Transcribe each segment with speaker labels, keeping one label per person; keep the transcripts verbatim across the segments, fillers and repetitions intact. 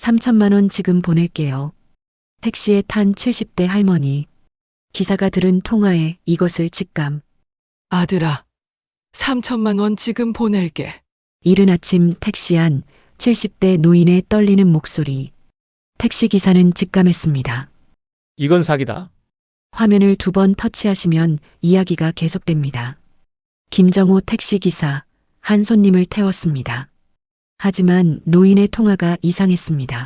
Speaker 1: 삼천만 원 지금 보낼게요. 택시에 탄 칠십 대 할머니. 기사가 들은 통화에 이것을 직감.
Speaker 2: 아들아, 삼천만 원 지금 보낼게.
Speaker 1: 이른 아침 택시 안 칠십 대 노인의 떨리는 목소리. 택시기사는 직감했습니다.
Speaker 3: 이건 사기다.
Speaker 1: 화면을 두 번 터치하시면 이야기가 계속됩니다. 김정호 택시기사, 한 손님을 태웠습니다. 하지만 노인의 통화가 이상했습니다.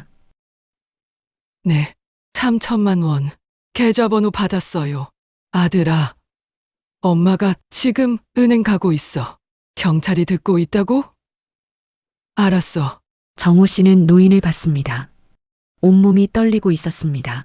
Speaker 2: 네, 삼천만 원. 계좌번호 받았어요. 아들아, 엄마가 지금 은행 가고 있어. 경찰이 듣고 있다고? 알았어.
Speaker 1: 정호 씨는 노인을 봤습니다. 온몸이 떨리고 있었습니다.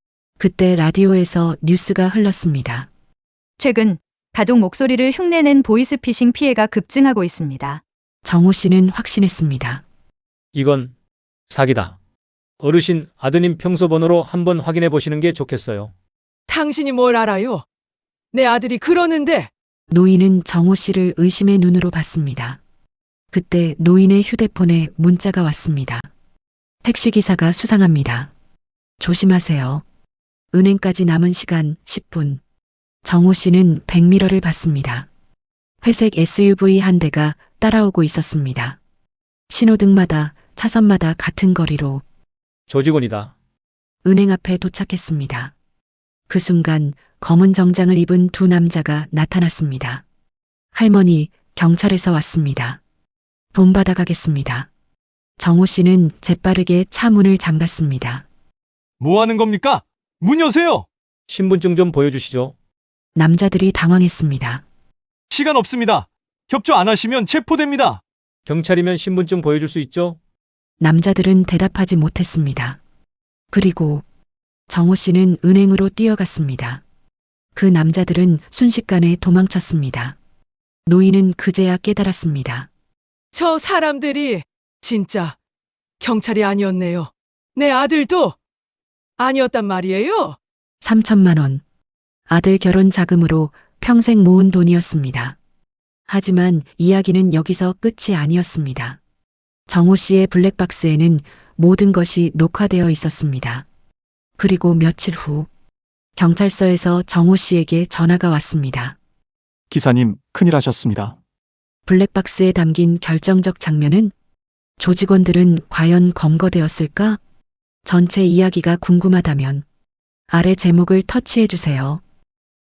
Speaker 1: 그때 라디오에서 뉴스가 흘렀습니다.
Speaker 4: 최근 가족 목소리를 흉내낸 보이스피싱 피해가 급증하고 있습니다.
Speaker 1: 정호 씨는 확신했습니다.
Speaker 3: 이건 사기다. 어르신 아드님 평소 번호로 한번 확인해 보시는 게 좋겠어요.
Speaker 2: 당신이 뭘 알아요? 내 아들이 그러는데.
Speaker 1: 노인은 정호 씨를 의심의 눈으로 봤습니다. 그때 노인의 휴대폰에 문자가 왔습니다. 택시기사가 수상합니다. 조심하세요. 은행까지 남은 시간 십 분. 정호 씨는 백미러를 봤습니다. 회색 에스유브이 한 대가 따라오고 있었습니다. 신호등마다 차선마다 같은 거리로
Speaker 3: 조직원이다.
Speaker 1: 은행 앞에 도착했습니다. 그 순간 검은 정장을 입은 두 남자가 나타났습니다. 할머니, 경찰에서 왔습니다. 돈 받아가겠습니다. 정호 씨는 재빠르게 차 문을 잠갔습니다.
Speaker 5: 뭐 하는 겁니까? 문 여세요!
Speaker 3: 신분증 좀 보여주시죠.
Speaker 1: 남자들이 당황했습니다.
Speaker 5: 시간 없습니다. 협조 안 하시면 체포됩니다.
Speaker 3: 경찰이면 신분증 보여줄 수 있죠?
Speaker 1: 남자들은 대답하지 못했습니다. 그리고 정호 씨는 은행으로 뛰어갔습니다. 그 남자들은 순식간에 도망쳤습니다. 노인은 그제야 깨달았습니다.
Speaker 2: 저 사람들이 진짜 경찰이 아니었네요. 내 아들도 아니었단 말이에요.
Speaker 1: 삼천만 원. 아들 결혼 자금으로 평생 모은 돈이었습니다. 하지만 이야기는 여기서 끝이 아니었습니다. 정호 씨의 블랙박스에는 모든 것이 녹화되어 있었습니다. 그리고 며칠 후 경찰서에서 정호 씨에게 전화가 왔습니다.
Speaker 6: 기사님, 큰일 하셨습니다.
Speaker 1: 블랙박스에 담긴 결정적 장면은 조직원들은 과연 검거되었을까? 전체 이야기가 궁금하다면 아래 제목을 터치해 주세요.